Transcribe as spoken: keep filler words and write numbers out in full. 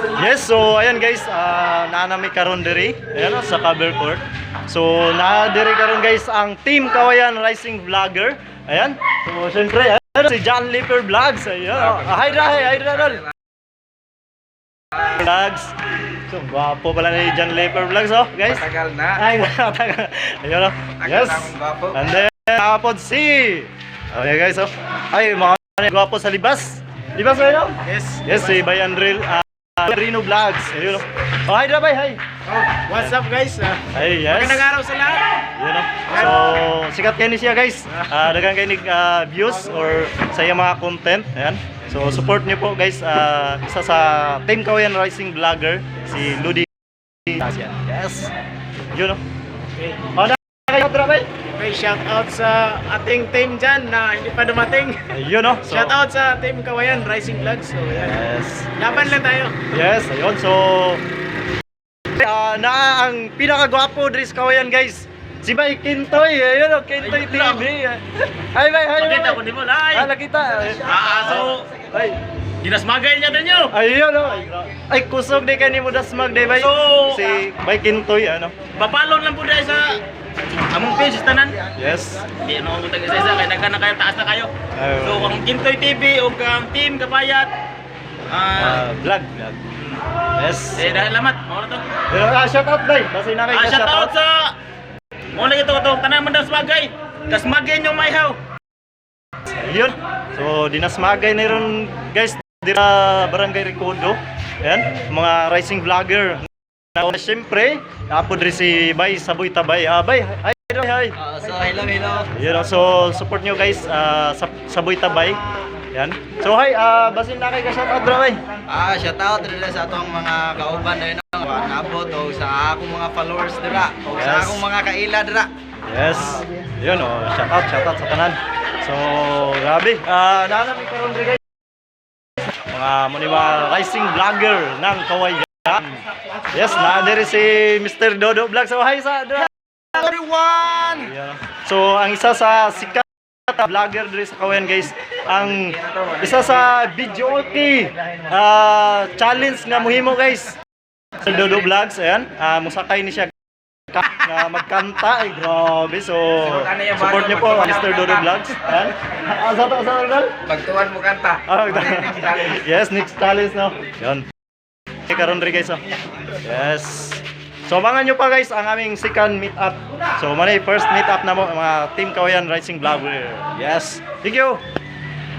Yes, so ayan guys, uh, naanami karon diri, ayan oh, sa cover court. So na diri karon guys ang Team Kawayan Rising Vlogger. Ayan. So syempre, ayan si John Lipper Vlogs. Ayan. Oh. Hi Rahe, hi Radol. Vlogs. So gwapo pala ni John Lipper Vlogs oh, guys. Matagal na. Ay, matagal. Ayun oh. Yes. And then kapod si. Okay guys oh. Ay mga gwapo sa libas. Libas kayo? Yes. Yes, si Bayan Drill. Uh, Rino Vlogs. Ayun. Oh, hi Rabay, hi. Oh, what's up guys? Uh, Ay, yes. Magandang araw sa lahat. Yun know. So, sikat kayo ni siya guys. Uh, dagang kayo ni uh, views or sa iyang mga content. Ayan. So, support niyo po guys. Uh, isa sa Team Kawayan Rising Vlogger, si Ludi. Yes. Yun know. Okay. Oh, na kayo Rabay. Okay, shout out sa ating team dyan na hindi pa dumating. Ayun know. So, Shout out sa Team Kawayan Rising Vlogs. So, yan. yes. Laban lang tayo. Yes, ayun. So, uh, na ang pinakagwapo diri sa Kawayan guys. Si Bay Kintoy, ayun oh, Kintoy T V. Hi Bay, hi. Makita ko di mo lai. Ah, nakita. Ah, so Ay, ginasmagay niya din nyo. ayun oh. Ay, kusog di kanimo dasmag day Bay. So, Si Bay Kintoy ano. Papalon lang po dahil sa among page tanan. Yes. Di ano mo taga isa kay daghan na kayo taas na kayo. Ayun. So kung Kintoy T V o kang Team Kapayat Ah, ah vlog, vlog. Yes. eh dahil lamat mo na to. Pero ah, shout out Bay. Kasi na kay Ah, shout out sa mo na ito to tanan man daw smagay. Kasmagay nyo may how. Ayun. So, dinasmagay na ron guys dira Barangay Recodo. Ayan, mga rising vlogger. Na siyempre, napod rin si Bay Saboy Tabay. Ah, Bay, hi, hi, hi. Uh, so hello hello. Yun, so support nyo guys uh, sa Saboy Tabay. Yan. So hi, uh, basin na kay ka shout out bro bay. Ah, shout out dito sa atong mga kauban dito no, nabot o sa akong mga followers dira o sa Yes. akong mga kaila dira. Yes. Yun oh, shout out, shout out sa tanan. So, grabe. Ah, uh, naanami karon diri guys. Mga muni mga rising vlogger ng Kawayan. Yes, na diri si Mister Dodo Vlog. So hi sa dira. Everyone. Yeah. So ang isa sa sikat na vlogger diri sa Kawayan guys, ang isa sa video okay uh, challenge nga mohimo guys. Sa Dodo Vlogs ayan, uh, musakay ni siya na magkanta ay grabe. So support niyo po Mister Dodo Vlogs. Ayan. Asa to sa Dodo? Pagtuan mo kanta. Ah, yes, next challenge no. Yon. Karon rin guys oh. Yes. So abangan nyo pa guys ang aming second meet up. So manay first meet up na mo mga Team Kawayan Rising Vlogger. Yes. Thank you.